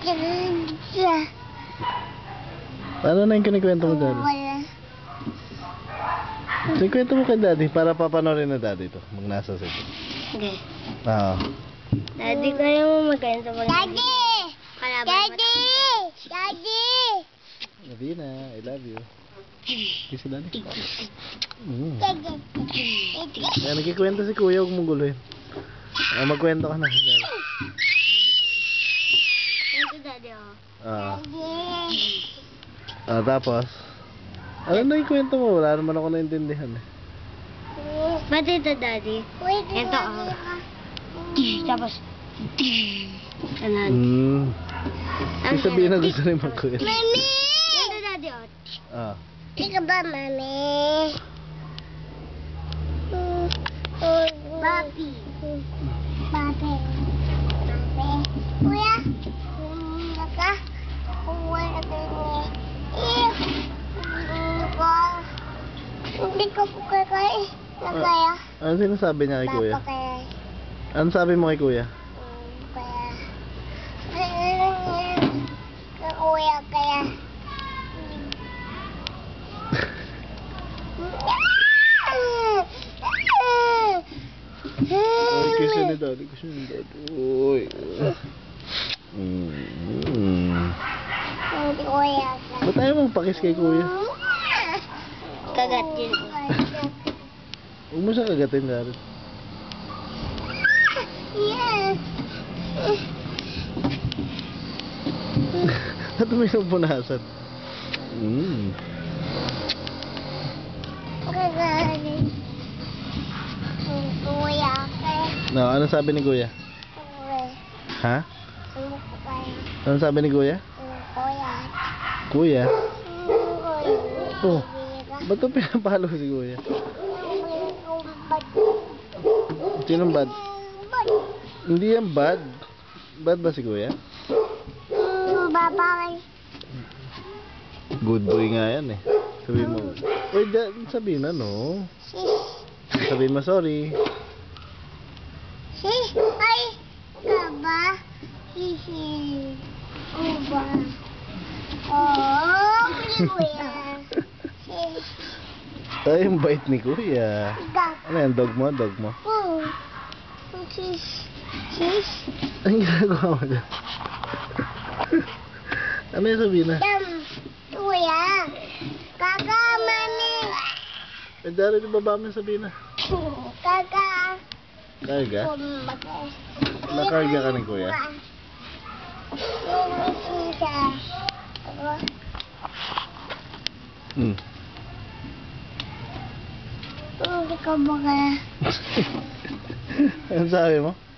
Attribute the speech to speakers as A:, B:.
A: Ano na yung kinikwento mo, Daddy? Kinikwento mo kay Daddy para papanorin na Daddy ito. Magnasa sa ito.
B: Okay.
A: Oo.
B: Daddy, kaya mo magkwento mo.
C: Daddy!
B: Kalaban mo.
C: Daddy! Daddy!
A: Nabina, I love you. Kiss Daddy.
C: Daddy!
A: Kaya nagkikwento si Kuya, huwag mong guluhin. Magkwento ka na. Daddy.
B: Kwento, Daddy, oh.
C: Daddy!
A: Tapos, ano na yung kwento mo? Wala naman ako naintindihan eh.
B: Ba't ito, Daddy? Ito, oh. Tapos, ganun.
A: Yung sabihin na gusto rin magkwento.
C: Mami!
B: Ito, Daddy, oh.
C: Tika ba, Mami? Papi. Papi. Papi. Kuya? Naka? Kuya na kayo. Hindi ko po kaya. Nakaya.
A: Ano sinasabi niya kay Kuya?
C: Papa kaya.
A: Ano sabi mo kay Kuya?
C: Kaya. Kuya kaya.
A: Ay, kiss ni Daddy, kiss ni Daddy. Uy.
C: Hindi kuya.
A: Ba't tayo mong pakis kay Kuya?
B: Kagat yun.
A: Huwag mo siya kagatin, Daddy.
C: Yes.
A: At may punasan.
C: Kagaling. Kuya kaya.
A: No, ano sabi ni Kuya?
C: Kuya.
A: Ha?
C: Kaya.
A: Ano sabi ni Kuya?
C: Kuya.
A: Kuya?
C: Kuya.
A: Oh, ba't ito pinapalo si Kuya? Sinong bad? Hindi yan bad. Bad ba si Kuya?
C: Babay.
A: Good boy nga yan eh. Sabihin mo. Uy, sabihin na no. Sabihin mo sorry.
C: Sis, ay, kaba. Hihi. Uba. Oh, kuya. Sis.
A: Ay, yung bait ni Kuya. Ano yan? Dog mo? Dog mo?
C: Sis. Sis.
A: Ang ginagawa mo dyan? Ano yung sabihin na?
C: Kuya. Kaka, mami.
A: Eh, dali di baba mo yung sabihin na.
C: Kaka.
A: Karga? Nakarga ka ni Kuya?
C: Hindi ko ba kaya?
A: Ano sabi mo?